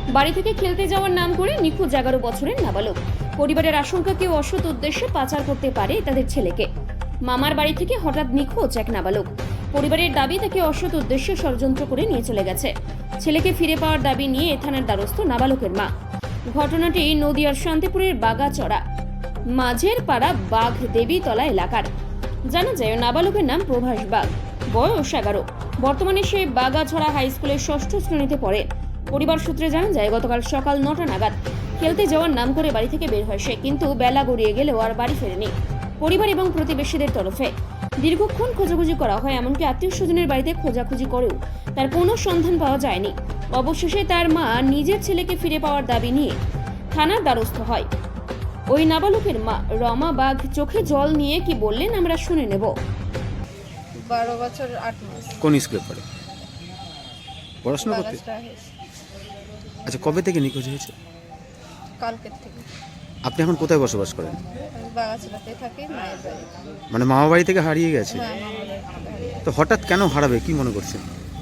বাড়ি থেকে খেলতে যাওয়ার নাম করে নিখোঁজ 11 বছরের নাবালক। পরিবারের আশঙ্কা কেউ অসৎ উদ্দেশ্যে পাচার করতে পারে তাদের ছেলেকে। মামার বাড়ি থেকে হঠাৎ নিখোঁজ এক নাবালক। পরিবারের দাবি তাকে অসৎ উদ্দেশ্যে ষড়যন্ত্র করে নিয়ে চলে গেছে। ছেলেকে ফিরে পাওয়ার দাবি নিয়ে থানার দ্বারস্থ নাবালকের মা। ঘটনাটি নদিয়ার শান্তিপুরের বাগাচড়া মাঝের পাড়া বাঘ দেবীতলা এলাকার। জানা যায় নাবালকের নাম প্রভাস বাগ, বয়স 11। বর্তমানে সে বাগাছড়া হাই স্কুলের 6ষ্ঠ শ্রেণীতে পড়ে। পরিবার সূত্রে জানা যায় গতকাল সকাল 9টা নাগাদ খেলতে যাওয়ার নাম করে বাড়ি থেকে বের হয় সে, কিন্তু বেলা গড়িয়ে গেলেও আর বাড়ি ফেরেনি। পরিবার এবং প্রতিবেশীদের তরফে দীর্ঘক্ষণ খোঁজাখুঁজি করা হয়, এমনকি আত্মীয় স্বজনের বাড়িতে খোঁজাখুঁজি করেও তার কোনো সন্ধান পাওয়া যায়নি। অবশেষে তার মা নিজের ছেলেকে ফিরে পাওয়ার দাবি নিয়ে থানার দ্বারস্থ হয়। ওই নাবালকের মা রমা বাঘ চোখে জল নিয়ে কি বললেন আমরা শুনে নেব। 12 বছর 8 মাস। কোন স্কুলে পড়ে? পড়াশোনা করতে? আচ্ছা, কবে থেকে নিখোঁজ হয়েছে? কালকের থেকে। আপনি এখন কোথায় বসবাস করেন? আমি বাগাছড়াতে থাকি, মায়ের বাড়ি। মানে মামা বাড়ি থেকে হারিয়ে গেছে? হ্যাঁ, মামার বাড়ি থেকে হারিয়ে তো হঠাৎ কেন হারাবে কি মনে করছেন?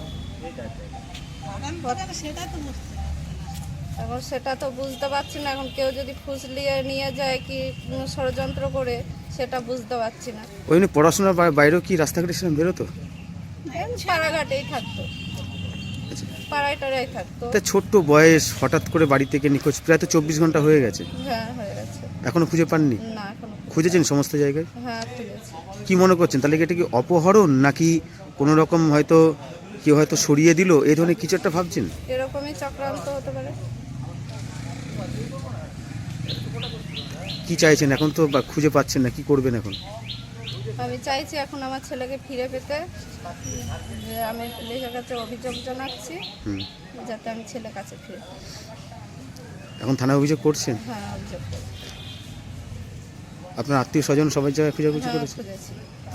এখন সেটা তো বুঝতে পারছি না। এখন কেউ যদি ফুসলিয়ে নিয়ে যায় কি ষড়যন্ত্র করে, সেটা বুঝতে পারছি না। ওই জন্য পড়াশোনার বাইরেও কি রাস্তাঘাটে সেরকম বেরোতো? পাড়াঘাটেই থাকতো, পাড়ায় টাড়াই থাকতো। তা ছোট্ট বয়স হঠাৎ করে বাড়ি থেকে নিখোঁজ, প্রায় তো 24 ঘন্টা হয়ে গেছে। হ্যাঁ, হয়ে গেছে। এখনো খুঁজে পাননি? না, এখনো খুঁজেছেন সমস্ত জায়গায়? হ্যাঁ, খুঁজেছি। কি মনে করছেন তাহলে কি এটা কি অপহরণ নাকি কোনো রকম হয়তো কেউ হয়তো সরিয়ে দিল, এই ধরনের কিছু একটা ভাবছেন? এরকমই চক্রান্ত হতে পারে। কি চাইছেন এখন তো খুঁজে পাচ্ছেন না, কি করবেন এখন? আমি চাইছি এখন আমার ছেলেকে ফিরে পেতে, যে আমি পুলিশের কাছে অভিযোগ জানাচ্ছি যাতে আমি ছেলের কাছে ফিরে পাই। এখন থানায় অভিযোগ করছেন? হ্যাঁ, অভিযোগ করছি। আপনার আত্মীয় স্বজন সবাই জায়গায় খোঁজাখুঁজি হ্যাঁ, করেছে? খুঁজেছি।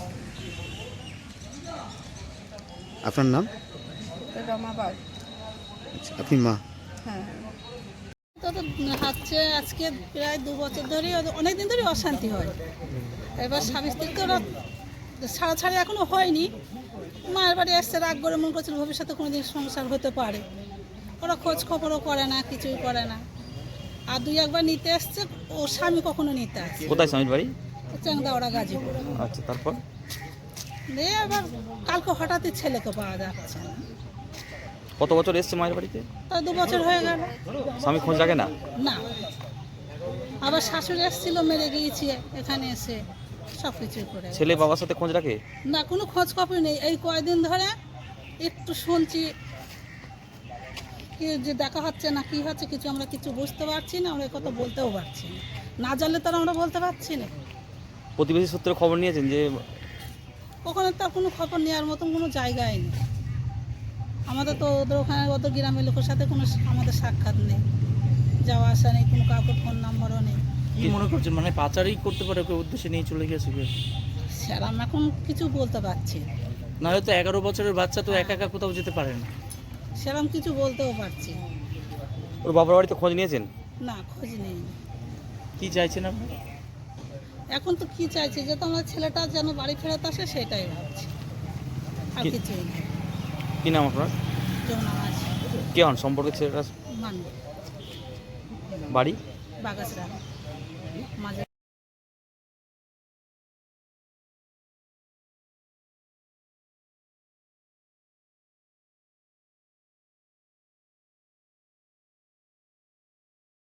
আপনার নাম? রমা বাগ। আচ্ছা, আপনি মা? হ্যাঁ। তো হচ্ছে আজকে প্রায় 2 বছর ধরেই, অনেক দিন ধরেই অশান্তি হয়। এবার স্বামী স্ত্রী তো ওরা ছাড়াছাড়ি এখনো হয়নি। মায়ের বাড়ি আসছে, রাগ করে মনে করছিল ভবিষ্যতে কোনোদিন সংসার হতে পারে। ওরা খোঁজ খবরও করে না, কিছুই করে না। আর 2-1 বার নিতে আসছে, ও স্বামী কখনো নিতে আসছে। কোথায় স্বামীর বাড়ি? চ্যাংদাওড়া, গাজীপুর। আচ্ছা, তারপর দিয়ে এবার কালকে হঠাৎই ছেলেকে পাওয়া যাচ্ছে না। কত বছর এসছে মায়ের বাড়িতে? তাই 2 বছর হয়ে গেল। স্বামী খোঁজ রাখে না? না, আবার শাশুড়ি এসেছিল, মেরে গিয়েছে এখানে এসে, সব কিছুই করে। ছেলে বাবার সাথে খোঁজ রাখে না, কোনো খোঁজ খবর নেই। এই কয়েকদিন ধরে একটু শুনছি কি যে দেখা হচ্ছে না, কি হচ্ছে কিছু আমরা কিছু বুঝতে পারছি না। আমরা কথা বলতেও পারছি না, না জানলে তো আর আমরা বলতে পারছি না। প্রতিবেশী সূত্রে খবর নিয়েছেন যে? ওখানে তার কোনো খবর নেওয়ার মতন কোনো জায়গায় নেই। আমাদের তো ওদের ওখানে ওদের গ্রামের লোকের সাথে কোনো আমাদের সাক্ষাৎ নেই, যাওয়া আসা নেই, কোনো কাউকে ফোন নাম্বারও নেই। কি মনে করছেন, মানে পাচারই করতে পারে, ওকে উদ্দেশ্যে নিয়ে চলে গেছে কেউ? সেরকম এখন কিছু বলতে পারছি না। না হয়তো 11 বছরের বাচ্চা তো একা একা কোথাও যেতে পারে না। সেরকম কিছু বলতেও পারছি না। ওর বাবার বাড়িতে খোঁজ নিয়েছেন? না, খোঁজ নেই। কি চাইছেন আপনি? এখন তো কি চাইছি, যে তোমার ছেলেটা যেন বাড়ি ফেরত আসে, সেটাই ভাবছি, আর কিছুই না। কি নাম আপনার? যমুনা মাছ কে হন সম্পর্কে ছেলেটা? মানব, বাড়ি? বাগাছড়া মাঝে